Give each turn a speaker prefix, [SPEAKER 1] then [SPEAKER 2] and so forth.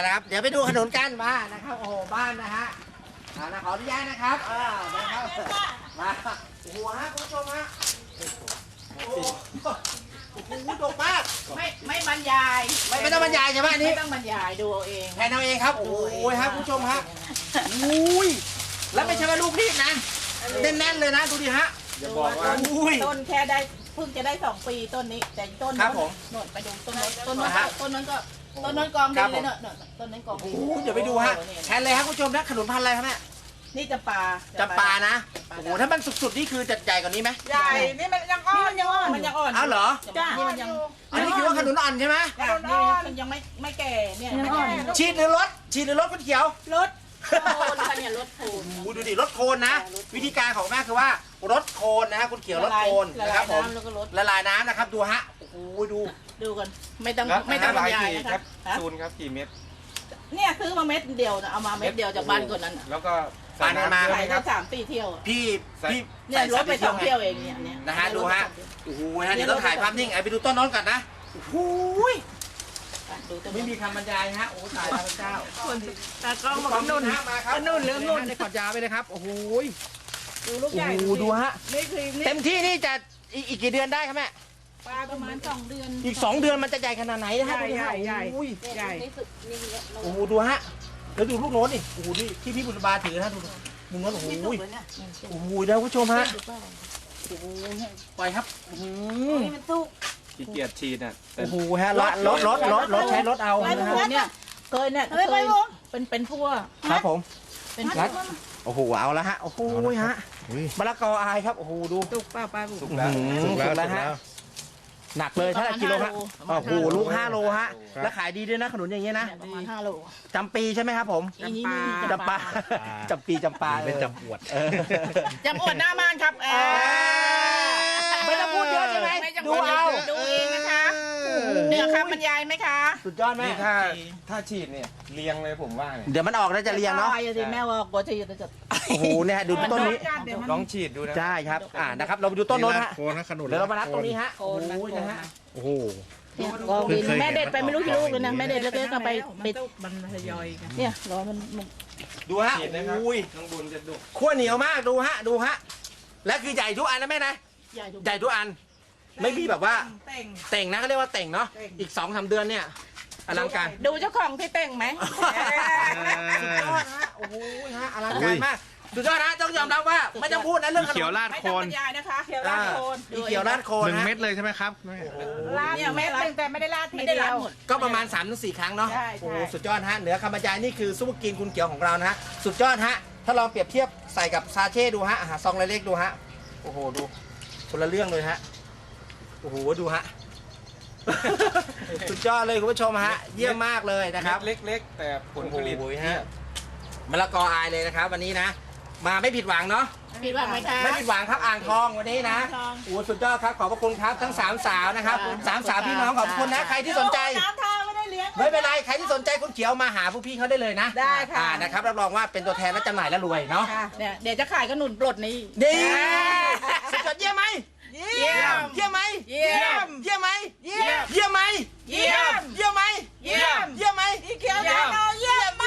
[SPEAKER 1] นะครับเดี๋ยวไปดูขนุนกันมานะครับโอ้โหบ้านนะฮะนะขออนุญาตนะครับนะครับมาโอ้โหฮะคุณผู้ชมฮะโอ้โหดกมาก
[SPEAKER 2] ไม่บรรยาย
[SPEAKER 1] ไม่ต้องบรรยายใช่ไหมอันนี้
[SPEAKER 2] ไม่ต้องบรรยายดูเอาเอง
[SPEAKER 1] แทนเอาเองครับโอ้โหครับคุณผู้ชมฮะอุ้ยแล้วไม่ใช่ว่าลูกนี่นะแน่นๆเลยนะดูดิฮะ
[SPEAKER 2] อย่าบอกว่าต้นแค่ได้เพิ่งจะได้2 ปีต้นนี้แต่ต้นนั้นโน่นไปดูต้นนั้นก็กองดีเลยเนอะต้นนั้นกองดี
[SPEAKER 1] เดี๋ยวไปดูฮะแทนเลยครับคุณผู้ชมนะขนุนพันธุ์อะไรครับแม่
[SPEAKER 2] นี่จำปา
[SPEAKER 1] นะโอ้โหถ้ามันสุดๆนี่คือจะใหญ่กว่านี้ไหม
[SPEAKER 2] ใหญ่นี่มันยังอ่อน
[SPEAKER 1] อ้าวเหรอ
[SPEAKER 2] จ้านี่มันยัง
[SPEAKER 1] อันนี้คือว่าขนุนอ่อนใช่ไหม
[SPEAKER 2] นี่มันยังไม่แก่เนี่ย
[SPEAKER 1] ฉีดหรือลดคุณเขียว
[SPEAKER 2] ลดโคนค่ะเนี่ยลดโคน
[SPEAKER 1] ดูดิลดโคนนะวิธีการของแม่คือว่าลดโคนนะฮะคุณเขียวลดโคนนะครับผมละลายน้ำนะครับดูฮะโอ้โหดู
[SPEAKER 2] กันไม่ต้องบรรยายนะครับ
[SPEAKER 3] ซูนครับกี่เม็ด
[SPEAKER 2] เนี่ยซื้อมาเม็ดเดียวนะเอามาเม็ดเดียวจากบ้านคนนั้น
[SPEAKER 3] แล้วก็
[SPEAKER 1] ใส่มา
[SPEAKER 2] ใส่ได้3-4 เที่ยว
[SPEAKER 1] พี่
[SPEAKER 2] เนี่ยรถไป2 เที่ยวเองเนี่ย
[SPEAKER 1] นะฮะดูฮะโอ้โหฮะเดี๋ยวต้องถ่ายภาพนิ่งไปดูต้นน้นก่อนนะโอ้โหไม่มีคำบรรยายฮะโอ้ถ่ายพระเจ้า
[SPEAKER 2] ตากล้องมานุ่นเรื่องนุ่น
[SPEAKER 1] ได้กอดยาไปเลยครับโอ้โห
[SPEAKER 2] ดูลูกใหญ่
[SPEAKER 1] ดูฮะเต็มที่นี่จะอีกกี่เดือนได้ครับแม่
[SPEAKER 2] ประมาณ2 เดือน
[SPEAKER 1] อีก2 เดือนมันจะใหญ่ขนาดไหนนะฮะ
[SPEAKER 2] ใหญ่
[SPEAKER 1] โอ้โหดูฮะแล้วดูลูกโน้นดิโอ้โหนี่ที่พี่บุญบาถือนะดูมุมโน้นโอ้โหโอ้โหนะผู้ชมฮะโอ้โหปล่อยครับ
[SPEAKER 2] นี่มันสู้
[SPEAKER 3] ขี้เกียจฉีดอ่ะ
[SPEAKER 1] โอ้โหฮะรถใช้รถเอา
[SPEAKER 2] เนี่ยเคยเป็นพั่ว
[SPEAKER 1] ครับผมเป็นรัดโอ้โหเอาละฮะโอ้โหฮะมะละกออายครับโอ้โหดู
[SPEAKER 2] สุกป้า
[SPEAKER 1] สุกแล้วฮะหนักเลยถ้ากิโลฮะโอ้โหลูก5 โลฮะแล้วขายดีด้วยนะขนุนอย่างเงี้ยนะ
[SPEAKER 2] ประมาณ5 โล
[SPEAKER 1] จำปีใช่ไหมครับผมจำปา
[SPEAKER 3] เป็นจำอวด
[SPEAKER 2] หน้าบ้านครับ
[SPEAKER 1] ไม่ต้องพูดเยอะใช่ไหม
[SPEAKER 2] ดูเองนะคะเหนือคำบรรยายไหมคะ
[SPEAKER 1] สุดยอดไหม
[SPEAKER 3] ถ้าฉีดเนี่ยเรียงเลยผมว่า
[SPEAKER 1] เดี๋ยวมันออกแล้วจะเรียงเนาะ
[SPEAKER 2] แม่ว่าก็จะ
[SPEAKER 1] โอ้โหเนี่ยดูต้นนี้
[SPEAKER 3] ลองฉีดดูนะ
[SPEAKER 1] ใช่ครับนะครับเราไปดูต้นโน้นฮะเดี๋ยวเรามานับตรงนี้ฮะโอ้โหนะฮะโอ้โห
[SPEAKER 2] แม่เด็ดไปไม่รู้กี่ลูกเลยนะแม่เด็ดเล็กๆก็ไปมันทยอยกันเนี่ยรอมัน
[SPEAKER 1] ดูฮะอุ้ย
[SPEAKER 3] น้องบุญจะดุ
[SPEAKER 1] ขั้วเหนียวมากดูฮะและคือใหญ่ทุกอันนะแม่นะใหญ่ทุกอันไม่มีแบบว่าเต่งนะเขาเรียกว่าเต่งเนาะอีก2-3 เดือนเนี่ยอลังการ
[SPEAKER 2] ดูเจ้าของที่เต่งไหม
[SPEAKER 1] สุดยอดฮะโอ้โหฮะอลังการมากสุดยอดนะต้องยอมรับว่าไม่ต้องพูดนะเรื่องขนม
[SPEAKER 3] เขียวราดโคน
[SPEAKER 2] นะคะเขียวราดโคน
[SPEAKER 1] เขียวราดโคน
[SPEAKER 3] 1 เม็ดเลยใช่ไหมครับ
[SPEAKER 2] ราดเนี่ยเม็ดแต่ไม่ได้ราดทีเดียว
[SPEAKER 1] ก็ประมาณ 3-4 ครั้งเนาะโอ้สุดยอดฮะเหนือคำบรรยายนี่คือซุปเปอร์กินคุณเขียวของเรานะฮะสุดยอดฮะถ้าลองเปรียบเทียบใส่กับซาเช่ดูฮะซองเล็กๆดูฮะโอ้โหดูคนละเรื่องเลยฮะโอ้โหดูฮะสุดยอดเลยคุณผู้ชมฮะเยี่ยมมากเลยนะครับ
[SPEAKER 3] เล็กๆแต่ผลผลิต
[SPEAKER 1] ฮะมะละกออายเลยนะครับวันนี้นะมาไม่ผิดหวังเนาะ
[SPEAKER 2] ผิดหวังไหมคะ
[SPEAKER 1] ไม่ผิดหวังครับอ่างทองวันนี้นะโอ้สุดยอดครับขอบพระคุณครับทั้ง3 สาวนะครับ3 สาวพี่น้องขอบคุณนะใครที่สนใจไม่เป็นไรใครที่สนใจคุณเขียวมาหาผู้พี่เขาได้เลยนะ
[SPEAKER 2] ได้ค่ะ
[SPEAKER 1] นะครับรับรองว่าเป็นตัวแทนและจำหน่ายและรวยเนาะ
[SPEAKER 2] เดี๋ยวจะขายขนุนปลดนี้
[SPEAKER 1] ดีสุดยอดเยี่ยมไหมเยี่ยมไหมเยี่ยมไหมเยี่ยมไหมเยี่ยมไหมเยี่ยมไหมเยี่ยมไหม
[SPEAKER 2] เขียวเยี่ยม